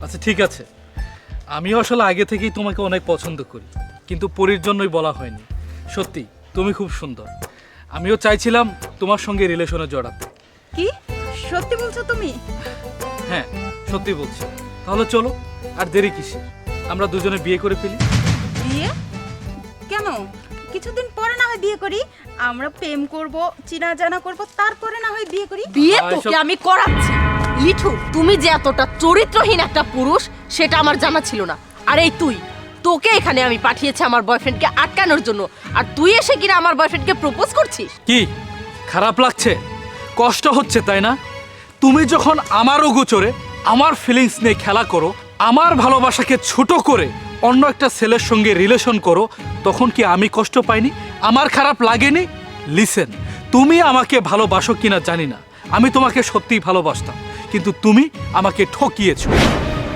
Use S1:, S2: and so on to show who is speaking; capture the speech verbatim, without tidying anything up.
S1: আচ্ছা ঠিক আছে, আমিও আসলে আগে থেকেই তোমাকে অনেক পছন্দ করি, কিন্তু পরীর জন্যই বলা হয়নি। সত্যি তুমি খুব সুন্দর, আমিও চাইছিলাম তোমার সঙ্গে রিলেশনে জড়াতে।
S2: কি সত্যি বলছো তুমি?
S1: হ্যাঁ সত্যি বলছি। তাহলে চলো, আর দেরি কিসের, আমরা দুজনে বিয়ে করে ফেলি।
S2: বিয়ে কেন? কিছুদিন পরে না হয় বিয়ে করি, আমরা প্রেম করব, চিনা জানা করব, তারপরে না হয় বিয়ে করি।
S3: বিয়ে
S1: আহ,
S3: তোকে
S1: এসব-
S3: আমি করাচ্ছি। লিঠু, তুমি যে এতটা চরিত্রহীন একটা পুরুষ সেটা আমার জানা ছিল না। আর এই তুই, তোকে এখানে আমি পাঠিয়েছি আমার বয়ফ্রেন্ডকে আটকানোর জন্য, আর তুই এসে কিনা আমার বয়ফ্রেন্ডকে প্রপোজ করছিস?
S1: কি খারাপ লাগছে, কষ্ট হচ্ছে তাই না? তুমি যখন আমারও গোচরে আমার ফিলিংস নিয়ে খেলা করো, আমার ভালোবাসাকে ছোট করে অন্য একটা ছেলের সঙ্গে রিলেশন করো, তখন কি আমি কষ্ট পাইনি? আমার খারাপ লাগেনি? লিসেন, তুমি আমাকে ভালোবাসো কিনা জানি না, আমি তোমাকে সত্যিই ভালোবাসতাম, কিন্তু তুমি আমাকে ঠকিয়েছো।